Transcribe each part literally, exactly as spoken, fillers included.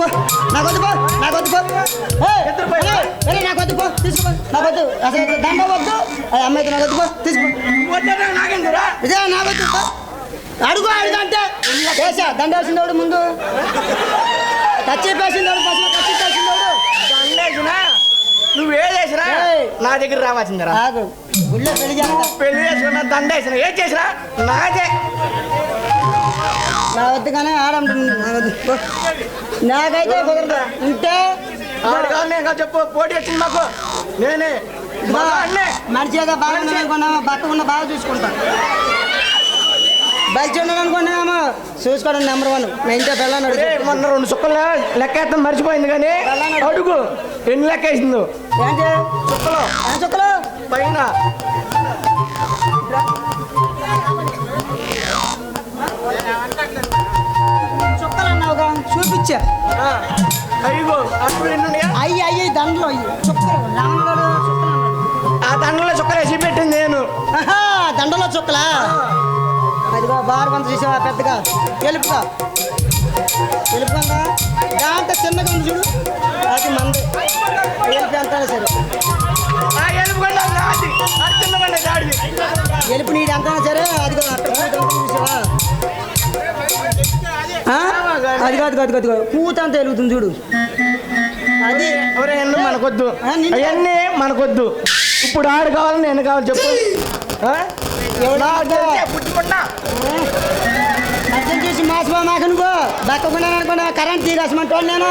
పో నాకు వద్దు పో నాకు వద్దు పో నాకు వద్దు పో తీసుకో నాకు వద్దు అసలు దండ వద్దు అమ్మాయితో నాకు వద్దు పో తీసుకో ఇదే నాకు వద్దు అడుగు అడుగు అంటే వేసా దండ వేసిందోడు ముందు టచ్ వేసిందోడు ఫస్ట్ టచ్ వేసిందోడు దండేసినా నువ్వు ఏదేసినా నా దగ్గర రావాల్సిందిరా ఆగు గుళ్ళో పెళ్లి చేస్తా పెళ్లి చేసుకున్నా దండేసినా ఏం చేసినా నాదే నా వద్దు కానీ ఆడంటుంది నాకైతే కుదరదు ఉంటే ఆడు కాదు నేను కాదు చెప్పు పోటీ వచ్చింది మాకు నేనే మనిషిగా బాగా అనుకున్నామా బతకుండా బాగా చూసుకుంటా బయట ఉండడం అనుకున్నామో చూసుకోవడం నెంబర్ వన్ నేను ఇంట్లో పెళ్ళాను మొన్న రెండు సుక్కలు లెక్క వేస్తాం మర్చిపోయింది కానీ అడుగు ఎన్ని లెక్క వేసిందో ఏంటి చుక్కలు ఏం చుక్కలు పైన చుక్కలు అన్నావుగా చూపించా అయ్యో అప్పుడు ఎన్ని అయ్యి అయ్యి దండలు అయ్యి చుక్కలు రామగడు చుక్కలు ఆ దండలో చుక్కలు వేసి పెట్టింది నేను దండలో చుక్కలా అదిగో బారు కొంత చూసావా పెద్దగా ఎలుపుగా ఎలుపుగా దాంట్లో చిన్నగా ఉంది చూడు అది మంది ఎలుపు ఎంత సరే ఎలుపు నీది ఎంత సరే అదిగో చూసావా అదిగో అదిగో అదిగో అదిగో కూత అంతా వెలుగుతుంది చూడు అది ఎవరైనా మనకొద్దు అవన్నీ మనకొద్దు ఇప్పుడు ఆడు కావాలి నేను కావాలి చెప్పు అర్థం చేసి మాసిపో మాకు నువ్వు బక్కకున్నాను అనుకున్నా కరెంట్ తీరేసమంటో నేను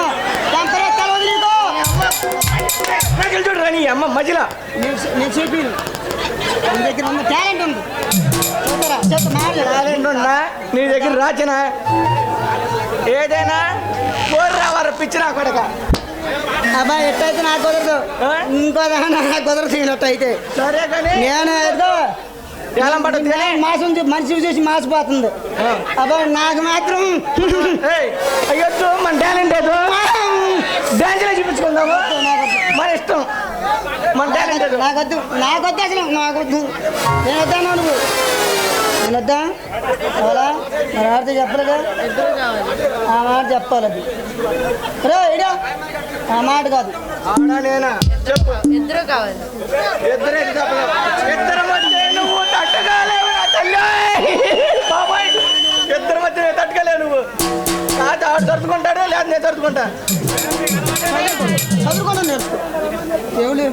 చూడు రాని అమ్మ మధ్యలో నేను చెప్పి నీ దగ్గర ఉన్న టాలెంట్ ఉంది టాలెంట్ ఉన్నా నీ దగ్గర రాచనా ఏదైనా కోరి రావారు పిచ్చి నా కొడక అబ్బాయి ఎట్టయితే నాకు కుదరదు ఇంకో నాకు కుదరదు తినట్టు అయితే సరే కానీ నేను ఏదో ఏలం పడుతుంది మాసం మనిషి చూసి మాసిపోతుంది అబ్బాయి నాకు మాత్రం అయ్యొద్దు మన టాలెంట్ ఏదో డాన్స్లో చూపించుకుందాము మన ఇష్టం మన టాలెంట్ ఏదో నాకొద్దు నాకొద్దు అసలు నాకొద్దు నేను వద్దాను నువ్వు నేను వద్దా అవలా మరి ఆడితే చెప్పలేదు ఆ మాట చెప్పాలి అది రే ఇడా ఆ మాట కాదు ఆడా నేనా చెప్పు ఇద్దరు కావాలి ఇద్దరే ఇద్దరు మధ్య నువ్వు తట్టగాలేవు తల్లి బాబాయ్ ఇద్దరు మధ్య తట్టుకోలేవు నువ్వు కాదు ఆడు తరుచుకుంటాడు లేదా నేను తరుచుకుంటా చదువుకోవడం నేర్చుకో ఏమి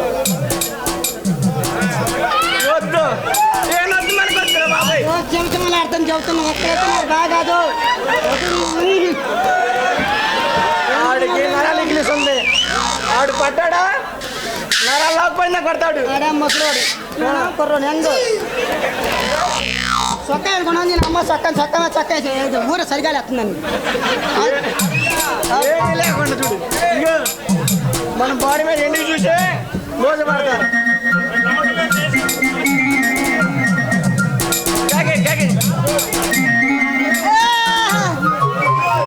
వద్దు నేను వద్దు మనకు వద్దురా బాబాయ్ చెబుతున్నా అర్థం చెబుతున్నా ఒక్కడైతే మరి బాగా కాదు ఆడికి నరాలు ఇంగ్లీష్ ఉంది ఆడు పడ్డాడా నరాలు లాకపోయినా కొడతాడు ఆడా ముసలోడు కుర్రోడు ఎందు చొక్కా అనుకున్నాను నేను అమ్మ చక్క చక్క చక్క ఊర సరిగా లేస్తుందని ఏమీ లేకుండా చూడు ఇగో మన బాడీ మీద ఎండి చూసి మోసపడతారు